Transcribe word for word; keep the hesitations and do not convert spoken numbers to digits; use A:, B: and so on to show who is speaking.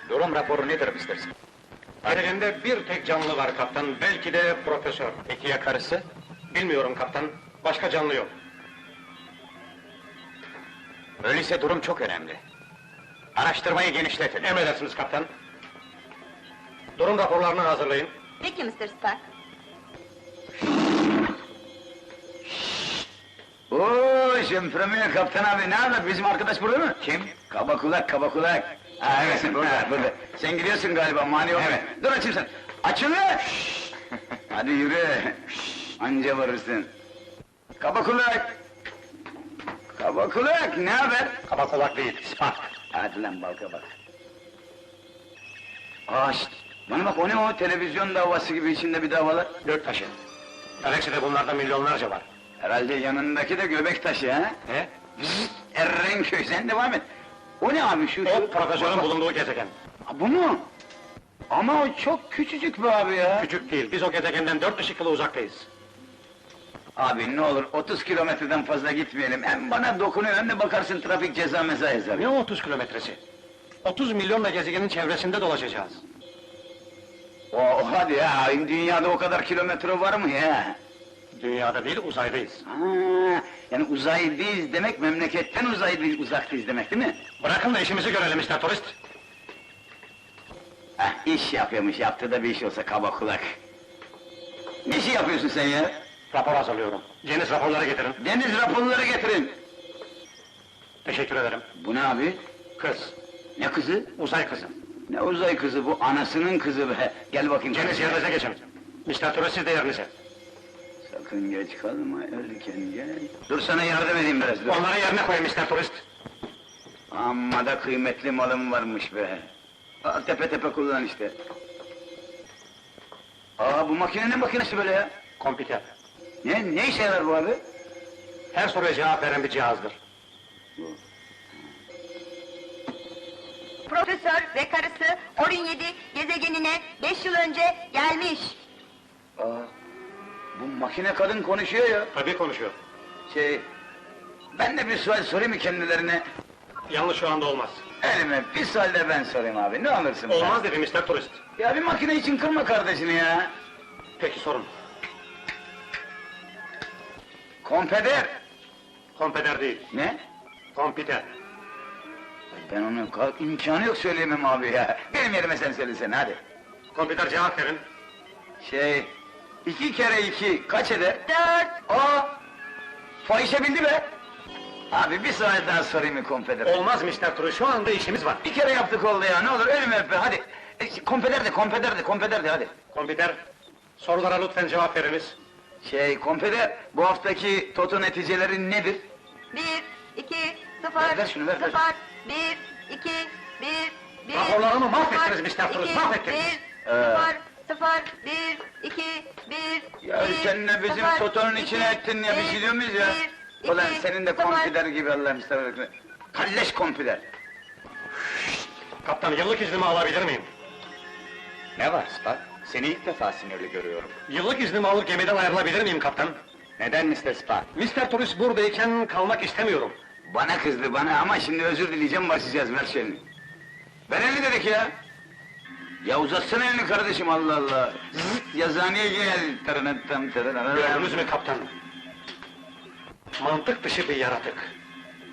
A: Durum raporu nedir mister Spock?
B: Gezegen'de bir tek canlı var kaptan, belki de profesör.
A: Peki ya karısı?
B: Bilmiyorum kaptan, başka canlı yok.
A: Öyleyse durum çok önemli. Araştırmayı genişletin.
B: Emredersiniz kaptan. Durum raporlarını hazırlayın.
C: Peki mister Spock.
D: Oo, Şempremiye kaptan abi, ne haber? Bizim arkadaş burada mı?
A: Kim?
D: Kaba kulak, kaba kulak. Ha, evet, burada, burada. Sen gidiyorsun galiba, mani olma.
A: Evet.
D: Dur açayım sen. Açın lan! Hadi yürü. Anca varırsın. Kaba kulak! Kaba kulak, ne haber?
B: Kaba kulak değil, Spock.
D: Hadi lan balka bak. Aa, şşt! Bana bak, o ne o? Televizyon davası gibi içinde bir davalar.
B: Göktaşı. Galakside bunlardan milyonlarca var.
D: Herhalde yanındaki de göbek taşı ha?
B: He?
D: Zıt, Errenköy, sen devam et. O ne abi şu?
B: O
D: şu-
B: profesörün
D: bak-
B: bulunduğu gezegen.
D: Ha, bu mu? Ama o çok küçücük be abi ya.
B: Küçük değil, biz o gezegenden dört ışık yılı uzaktayız.
D: Abi ne olur otuz kilometreden fazla gitmeyelim. Hem bana dokunuyor hem de bakarsın trafik ceza meza yazar.
B: Ne otuz kilometresi? otuz milyonla gezegenin çevresinde dolaşacağız.
D: O hadi ya, dünyada o kadar kilometre var mı ya?
B: Dünyada değil, uzaydayız.
D: Ha, yani uzaydayız demek memleketten uzaydayız, uzaktayız demek değil mi?
B: Bırakın da işimizi görelim mister Turist.
D: Heh, iş yapıyormuş, yaptığı da bir iş olsa kaba kulak. Ne işi yapıyorsun sen ya?
B: Rapor hazırlıyorum. Deniz raporları getirin.
D: Deniz raporları getirin.
B: Teşekkür ederim.
D: Bu ne abi?
B: Kız,
D: Ne kızı?
B: uzay kızı.
D: Ne uzay kızı bu, anasının kızı be! Gel bakayım.
B: Deniz yerinize geçin. mister Turist siz de yerinize.
D: Sakın geç kalma, erken gel. Dur sana yardım edeyim biraz, dur.
B: Onları yerine koyun mister Turist.
D: Amma da kıymetli malım varmış be! Al, tepe tepe kullan işte. Aa, bu makine ne makinesi böyle ya?
B: Kompüter.
D: Ne, ne işe yarar bu abi?
B: Her soruya cevap veren bir cihazdır.
C: Profesör ve karısı Orin yedi gezegenine beş yıl önce gelmiş.
D: Aa, bu makine kadın konuşuyor ya.
B: Tabii konuşuyor.
D: Şey, ben de bir sual sorayım mı kendilerine?
B: Yalnız şu anda olmaz.
D: Elime bir sual de ben sorayım abi, ne alırsın? be?
B: Olmaz dedi mister Turist.
D: Ya bir makine için kırma kardeşini ya!
B: Peki sorun.
D: Kompeder!
B: Kompüter değil,
D: Ne?
B: kompüter.
D: Ben onu ka- imkanı yok söyleyemem abi ya. Benim yerime sen söylesene hadi.
B: Kompüter cevap verin.
D: Şey, iki kere iki kaç eder?
C: Dört.
D: Aa! Fahişe bildi be! Abi bir sual daha sorayım mı kompeder?
B: Olmaz mister Turist, şu anda işimiz var.
D: Bir kere yaptık oldu ya, ne olur ölümü öp be, hadi! E, kompeder de, kompeder de, kompeder de hadi!
B: Kompüter, sorulara lütfen cevap veriniz.
D: Şey, kompeder, bu haftaki toto neticeleri nedir?
C: Bir, iki, sıfır,
D: Ver, ver şunu, ver, ver.
C: sıfır, bir, iki, bir, bir...
B: Raporlarımı mahvettiniz
C: sıfır,
B: mister Turist,
C: iki,
B: mahvettiniz.
C: Bir,
D: Ee.
C: sıfır, sıfır, bir, iki, bir,
D: Ya
C: bir,
D: sen de bizim
C: sıfır,
D: totonun
C: iki,
D: içine ettin ya, biz
C: bir,
D: gidiyor muyuz ya?
C: bir,
D: Ulan
C: iki,
D: senin de
C: sıfır.
D: kompüder gibi Allah'ım sana. Kalleş kompüder!
B: Kaptan, yıllık iznimi alabilir miyim?
A: Ne var Spock? Seni ilk defa sinirli görüyorum.
B: Yıllık iznimi alıp gemiden ayrılabilir miyim kaptan?
A: Neden mister Spock?
B: mister Turist buradayken kalmak istemiyorum.
D: Bana kızdı bana ama şimdi özür dileyeceğim, başlayacağız, ver şunu. Ver elini dedik ya! Ya uzatsana elini kardeşim, Allah Allah! Zıt, yazıhaneye gel! Tırınıt tam tırınıt.
B: Gördünüz mü kaptan? Mantık dışı bir yaratık.